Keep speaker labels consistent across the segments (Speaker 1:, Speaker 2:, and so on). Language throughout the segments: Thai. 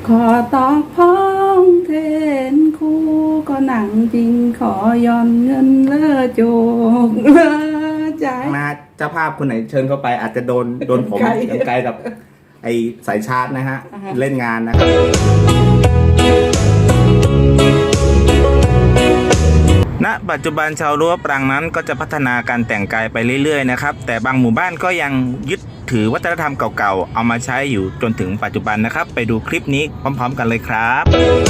Speaker 1: ขอตอกพ้องเทนคู่ก็หนังจริงขอย่อนเงินเลอโจกเลอใจ
Speaker 2: มาเจ้าภาพคนไหนเชิญเข้าไปอาจจะโดนผมยังไกลกับไอสายชาร์จนะฮะเล่นงานนะครับณปัจจุบันชาวรั้วปรางนั้นก็จะพัฒนาการแต่งกายไปเรื่อยๆนะครับแต่บางหมู่บ้านก็ยังยึดถือวัฒนธรรมเก่าๆเอามาใช้อยู่จนถึงปัจจุบันนะครับไปดูคลิปนี้พร้อมๆกันเลยครับ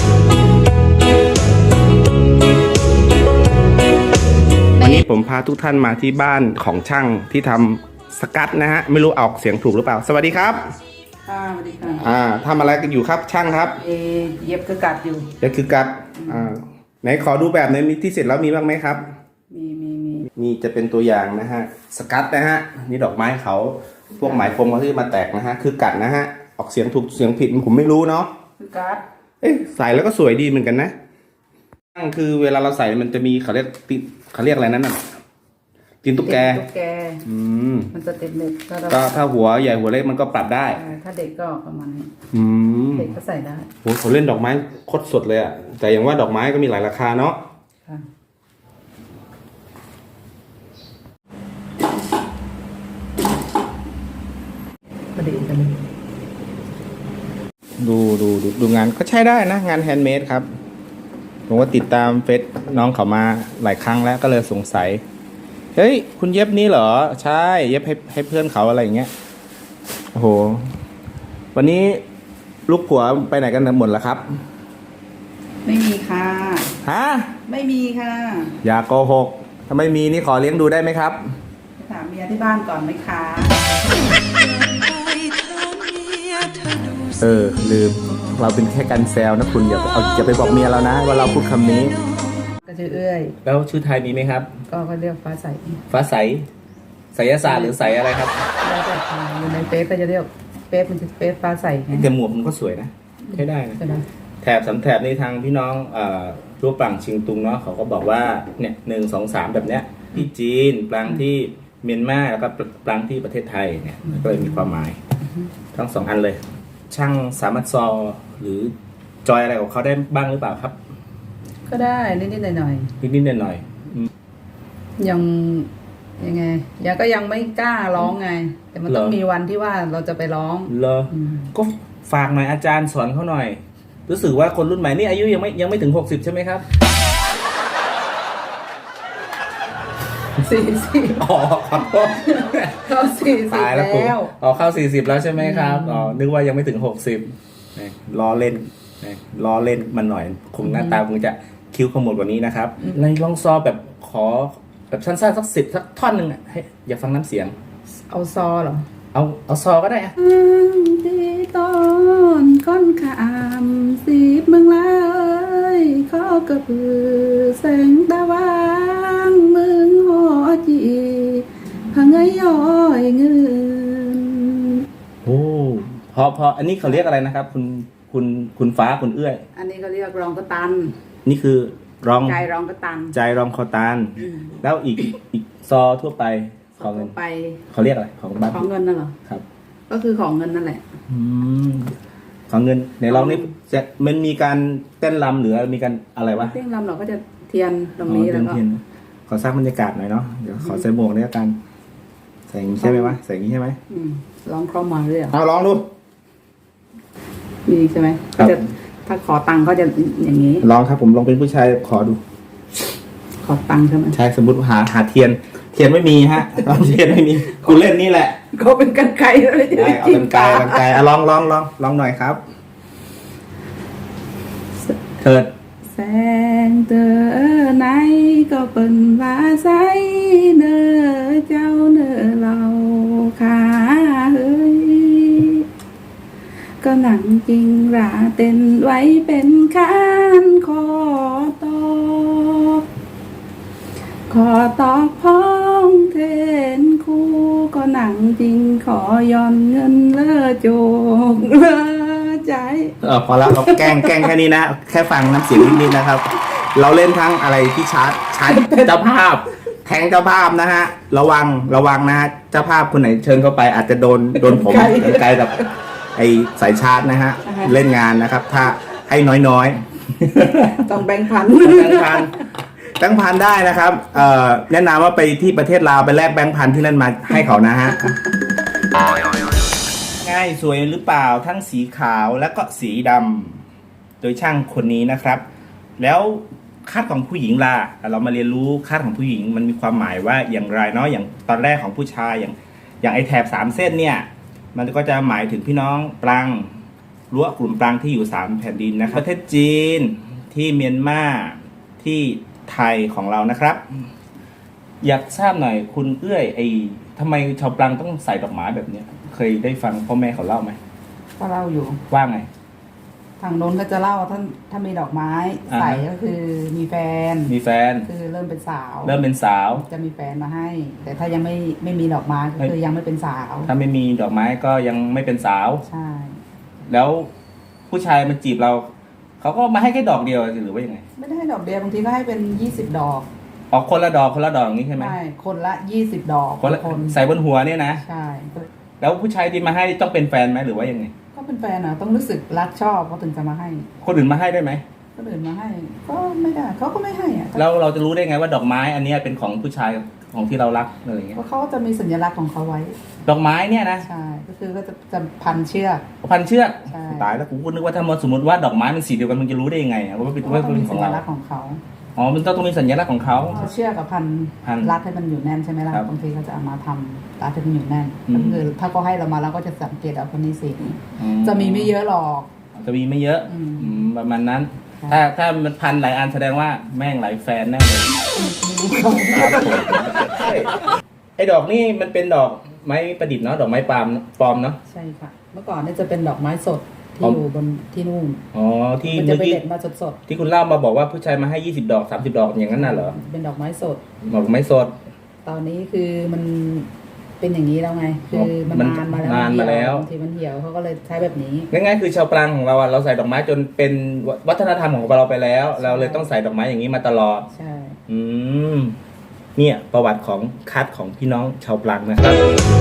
Speaker 2: วันนี้ผมพาทุกท่านมาที่บ้านของช่างที่ทำสกัดนะฮะไม่รู้ออกเสียงถูกหรือเปล่าสวัสดีครับ
Speaker 1: ค่ะสวัสดีค่ะ
Speaker 2: ทำอะไรกันอยู่ครับช่างครับ
Speaker 1: เย็บคือกัดอยู่
Speaker 2: เย็บคือกัดไหนขอดูแบบในที่เสร็จแล้วมีบ้างไหมครับมีจะเป็นตัวอย่างนะฮะสกัดนะฮะนี่ดอกไม้เขาพวกไหมพรมเขาที่มาแตกนะฮะคือกัดนะฮะออกเสียงถูกเสียงผิดผมไม่รู้เนาะ
Speaker 1: คือกัด
Speaker 2: ใส่แล้วก็สวยดีเหมือนกันนะคือเวลาเราใส่มันจะมีเขาเรียกอะไรนั่นน่ะตีนตุ๊กแก
Speaker 1: มันจะเต็มเล็ก
Speaker 2: ก็ถ้าหัวใหญ่หัวเล็กมันก็ปรับได้
Speaker 1: ถ้าเด็กก็ประมาณนี้เด็กก็ใส่ได้
Speaker 2: โหเขาเล่นดอกไม้โคตรสดเลยอ่ะแต่อย่างว่าดอกไม้ก็มีหลายราคาเนาะ
Speaker 1: ก็ดีกันเลย
Speaker 2: ดูงานก็ใช้ได้นะงานแฮนด์เมดครับผมก็ติดตามเฟซน้องเขามาหลายครั้งแล้วก็เลยสงสัยเฮ้ยคุณเย็บนี้เหรอใช่เย็บให้เพื่อนเขาอะไรอย่างเงี้ยโอ้โหวันนี้ลูกผัวไปไหนกันหมดแล้วครับ
Speaker 1: ไม่มีค่ะ
Speaker 2: ฮะ
Speaker 1: ไม่มีค่ะ
Speaker 2: อย่าโกหกถ้าไม่มีนี่ขอเลี้ยงดูได้ไหมครับ
Speaker 1: ถามเมียที่บ้านก่อนไหมคะ
Speaker 2: ลืมเราเป็นแค่การแซวนะคุณอย่าไปบอกเมียเรานะว่าเราพูดคำนี้
Speaker 1: ก็ชื่อเอื้อย
Speaker 2: แล้วชื่อไทยมีไหมครับ
Speaker 1: ก็เรียกฟ้าใส
Speaker 2: ไสยศาสตร์หรือใสอะไรครับ
Speaker 1: แล้วแต่อยู่ในเฟซก็จะเรียกเฟซมันจะเฟซฟ้าใส
Speaker 2: แต่หมวกมันก็สวยนะใช้ได้นะแถบ3แถบในทางพี่น้องรูปปรางชิงตุงเนาะเขาก็บอกว่าเนี่ย1 2 3แบบเนี้ยที่จีนปรางที่เมียนมาแล้วก็ปรางที่ประเทศไทยเนี่ยก็เลยมีความหมายทั้ง2อันเลยช่างสามารถซอหรือจอยอะไรของเขาได้บ้างหรือเปล่าครับ
Speaker 1: ก็ได้นิดๆหน่อย
Speaker 2: ๆ
Speaker 1: ยังไงก็ยังไม่กล้าร้องไงแต่มันต้องมีวันที่ว่าเราจะไปร้อง
Speaker 2: ก็ฝากหน่อยอาจารย์สอนเขาหน่อยรู้สึกว่าคนรุ่นใหม่นี่อายุยังไม่ถึง60ใช่ไหมครับ
Speaker 1: 40
Speaker 2: อ๋อครับ
Speaker 1: เข้า40แล้ว
Speaker 2: เข้า40แล้วใช่ไหมครับนึกว่ายังไม่ถึง60ล้อเล่นมันหน่อยคงหน้าตาคงจะคิ้วขมวดกว่านี้นะครับในลองซอแบบขอแบบสั้นๆสักท่อนหนึ่งให้อยากฟังน้ำเสียง
Speaker 1: เอาซอเหรอ
Speaker 2: เอาซอก็ได้
Speaker 1: ที่ต้นก้อนขามสีเมืองเลยเขากระพือแสงตะวันเมืองหอจีพังเงยย้อยเงิน
Speaker 2: โอ้พออันนี้เขาเรียกอะไรนะครับคุณฟ้าคุณเอื้อย
Speaker 1: อันนี้เขาเรียกรองกระตัน
Speaker 2: นี่คือ
Speaker 1: ใจรองกระตัน
Speaker 2: ใจรองคอตันแล้วอีกซอทั่วไปของเงิน
Speaker 1: ไป
Speaker 2: เขาเรียกอะไรของบ้าน
Speaker 1: ของเงินนั่นเหรอ
Speaker 2: ครับ
Speaker 1: ก็คือของเงินนั่นแหละ
Speaker 2: ของเงินในเรานี่จะมันมีการเต้นรำหรือมีการอะไรวะ
Speaker 1: เต้นรำเราก็จะเทียนตรงนี้แล้วก็
Speaker 2: ขอสร้างบรรยากาศหน่อยเนาะเดี๋ยวขอใส่หมวกนี่กันใส่อย่างนี้ใช่ไหมวะใส่อย่างนี้ใช่ไหม
Speaker 1: ร้องคล่อมมาเลย
Speaker 2: เอาลองดู
Speaker 1: ดีใช่ไหมถ้าขอตังค์ก็จะอย่างนี้
Speaker 2: ลองครับผมลองเป็นผู้ชายขอดู
Speaker 1: ขอตังค์ใช่ไหม
Speaker 2: ใช่สมมติหาเทียนไม่มีฮะเทียนไม่มีกูเล่นนี่แหละ
Speaker 1: ก็เป็นกันไกลเลย
Speaker 2: เอากันไกลลองหน่อยครับเถิด
Speaker 1: แสงเตอไหนก็เป็นว่าใสเนอเจ้าเนอเราขาเฮ้ยก็หนังจริงราเต้นไว้เป็นคานขอตอกพ้องเทนคู่ก็หนังจริงขอย่อนเงินเลอโจกเลอใจ
Speaker 2: พอแล้วเราแกล้งแค่นี้นะแค่ฟังน้ำเสียงนิดๆนะครับ เราเล่นทั้งอะไรที่ชาร์จเจ้าภาพแทงเจ้าภาพนะฮะระวังนะฮะเจ้าภาพคนไหนเชิญเข้าไปอาจจะโดนผมไกลกับไอสายชาร์จนะฮะเล่นงานนะครับ ถ้าให้น้อยๆ
Speaker 1: ต้องแบ่งพัน
Speaker 2: แบงค์พันได้นะครับแนะนำว่าไปที่ประเทศลาวไปแลกแบงค์พันที่นั่นมาให้เขานะฮะง่ายสวยหรือเปล่าทั้งสีขาวและก็สีดำโดยช่างคนนี้นะครับ แล้วคาดของผู้หญิงล่ะเรามาเรียนรู้คาดของผู้หญิงมันมีความหมายว่าอย่างไรเนาะอย่างตอนแรกของผู้ชายอย่างไอแถบ3เส้นเนี่ยมันก็จะหมายถึงพี่น้องปรังรั้วกลุ่มปรังที่อยู่3แผ่นดินนะครับประเทศจีนที่เมียนมาที่ไทยของเรานะครับ อยากทราบหน่อยคุณเอื้อยทำไมชาวปรังต้องใส่ดอกไม้แบบเนี้ยเคยได้ฟังพ่อแม่เขาเล่าไหม
Speaker 1: ก็เล่าอยู่
Speaker 2: ว่าไง
Speaker 1: ทางโน้นก็จะเล่าถ้ามีดอกไม้ใส่ก็คือมีแฟน
Speaker 2: มีแฟน
Speaker 1: คือเริ่มเป็นสาว
Speaker 2: เริ่มเป็นสาว
Speaker 1: จะมีแฟนมาให้ แต่ถ้ายังไม่มีดอกไม้ก็คือยังไม่เป็นสาว
Speaker 2: ถ้าไม่มีดอกไม้ก็ยังไม่เป็นสาว
Speaker 1: ใช่
Speaker 2: แล้วผู้ชายมาจีบเราเขาก็มาให้แค่ดอกเดียวหรือว่ายังไง
Speaker 1: ไม่ได้ให้ดอกเดียวบางทีก็ให้เป็น20 ดอก
Speaker 2: ออกคนละดอกอย่างนี้ใช่ไหม
Speaker 1: ใช่คนละ20 ดอก
Speaker 2: คนละใส่บนหัวเนี่ยนะ
Speaker 1: ใช่
Speaker 2: แล้วผู้ชายที่มาให้ต้องเป็นแฟนไหมหรือว่ายังไง
Speaker 1: ก็เป็นแฟนอ่ะต้องรู้สึกรักชอบเขาถึงจะมาให้
Speaker 2: คนอื่นมาให้ได้ไหม
Speaker 1: คนอื่นมาให้ ก็ไม่ได้เขาก็ไม่ให้อ่ะ
Speaker 2: แล้วเราจะรู้ได้ไงว่าดอกไม้อันเนี้ยเป็นของผู้ชายของที่เรารักอะไรอย่างเงี้ย
Speaker 1: เพราะเขาจะมีสัญลักษณ์ของเขาไว้
Speaker 2: ดอกไม้เนี่ยนะ
Speaker 1: ใช่ก็คือก็จะพันเชือก
Speaker 2: พันเชือก
Speaker 1: ใช่
Speaker 2: ตายแล้วกูก็นึกว่าถ้าสมมติว่าดอกไม้มันสีเดียวกันมึงจะรู้ได้ยังไงอะว่าเป็น
Speaker 1: เขาก็ต้อง
Speaker 2: เป็
Speaker 1: มี
Speaker 2: นข
Speaker 1: สั
Speaker 2: อง
Speaker 1: ญ
Speaker 2: เรา
Speaker 1: ลักษณ์ของเขา
Speaker 2: อ๋อมันต้องมีสัญลักษณ์ของเขา
Speaker 1: เชือกกับพัน
Speaker 2: พัน
Speaker 1: รัดให้มันอยู่แน่นใช่ไหมล่ะ
Speaker 2: ครับ
Speaker 1: บางทีเขาจะเอามาทำรัดให้มันอยู่แน่น
Speaker 2: อืม
Speaker 1: ก็คือถ้าเขาให้เรามาเราก็จะสังเกตเอาคนนี้สีนี้
Speaker 2: อื
Speaker 1: จะมีไม่เยอะหรอก
Speaker 2: จะมีไม่เยอะ
Speaker 1: อืม
Speaker 2: ประมาณนั้น
Speaker 1: ค่ะ
Speaker 2: ถ้ามันพันหลายอันแสดงว่าแม่งหลายแฟนแน่เลยไอ้ดอกนี่มันเป็นดอกไม้ประดิษฐ์เนาะดอกไม้ปลอมเนาะ
Speaker 1: ใช่ค่ะ เมื่อก่อนเนี่ยจะเป็นดอกไม้สด
Speaker 2: อ๋
Speaker 1: ที่
Speaker 2: อ
Speaker 1: อยู่บนที่นู่น
Speaker 2: อ๋อที่
Speaker 1: มันจะ
Speaker 2: เมื่อ
Speaker 1: ไป
Speaker 2: กี้
Speaker 1: เด็ดมาสด
Speaker 2: ที่คุณเล่ามาบอกว่าผู้ชายมาให้20 ดอก30 ดอกอย่างนั้นน่ะเหรอ
Speaker 1: ๆเป็นดอกไม้สด
Speaker 2: ดอกไม้สด
Speaker 1: ตอนนี้คือมันเป็นอย่างนี้แล้วไง คือมัน
Speaker 2: มัน
Speaker 1: นานมาแล้ว
Speaker 2: นานมาแล้ว
Speaker 1: บางทีมันเหี่ยวเขาก็เลยใช้แบบนี้
Speaker 2: ง่ายๆคือชาวปรางของเราอะเราใส่ดอกไม้จนเป็นวัฒนธรรมของเราไปแล้ว เราเลยต้องใส่ดอกไม้อย่างนี้มาตลอด
Speaker 1: ใช่
Speaker 2: อืมเนี่ยประวัติของคัดของพี่น้องชาวปรางนะครับ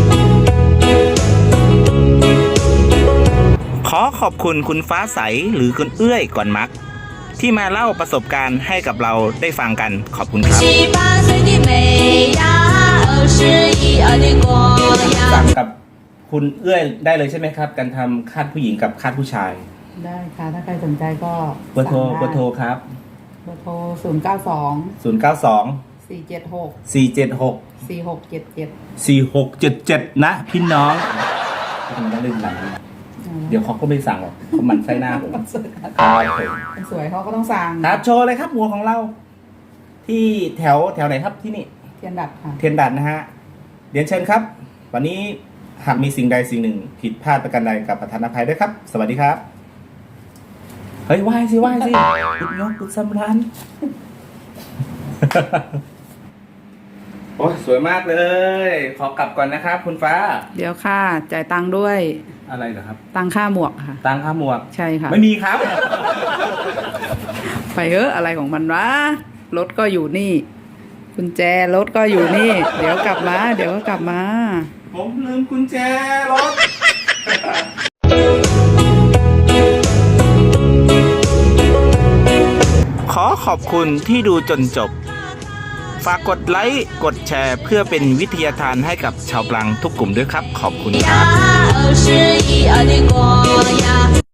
Speaker 2: ขอขอบคุณคุณฟ้าใสหรือคุณเอื้อยก่อนมัก ที่มาเล่าประสบการณ์ให้กับเราได้ฟังกันขอบคุณครับ
Speaker 3: 18岁的美呀，21、2的光
Speaker 2: สั่
Speaker 3: 呀
Speaker 2: ง。กับคุณเอื้อยได้เลยใช่ไหมครับ การทำคาดผู้หญิงกับคาดผู้ชาย
Speaker 1: ได้ค่ะ ถ้าใครสนใจก็
Speaker 2: เบอร์โทร
Speaker 1: สั่งได้
Speaker 2: เบอร์โทรครับ
Speaker 1: เบอร์โทร092
Speaker 2: 092
Speaker 1: 476
Speaker 2: 476
Speaker 1: 4677
Speaker 2: 4677นะพี่น้องมันต้องเล่นหนังเดี๋ยวเขาก็ไม่สั่งหรอกเขาหมันไส้หน้าผมครับ
Speaker 1: คนสวยเขาก็ต้องสั่ง
Speaker 2: ครับโชว์เลยครับหัวของเรา ที่แถวไหนครับที่นี่
Speaker 1: เทียนดัดค่ะ
Speaker 2: เทียนดัดนะฮะเรียนเชิญครับ วันนี้หากมีสิ่งใดสิ่งหนึ่ง ผิดพลาดประการใดกับประธานอภัยด้วยครับ สวัสดีครับ เฮ้ยไหว้สิคุณยกคุณสำรัน โอ้ยสวยมากเลย ขอกลับก่อนนะครับ คุณฟ้า
Speaker 1: เดี๋ยวค่ะ จ่ายตังค์ด้วย
Speaker 2: อะไรเหรอครับ
Speaker 1: ตังค่าหมวกค่ะ
Speaker 2: ตังค่าหมวก
Speaker 1: ใช่ค่ะ
Speaker 2: ไม่มีครับ
Speaker 1: ไปเถอะอะไรของมันวะ รถก็อยู่นี่ กุญแจรถก็อยู่นี่ เดี๋ยวกลับมา เดี๋ยวก็กลับมา
Speaker 2: ผมลืมกุญแจรถ ขอขอบคุณที่ดูจนจบ ฝากกดไลค์ กดแชร์เพื่อเป็นวิทยาทานให้กับชาวปรังทุกกลุ่มด้วยครับ ขอบคุณครับ
Speaker 3: 21、2的光呀。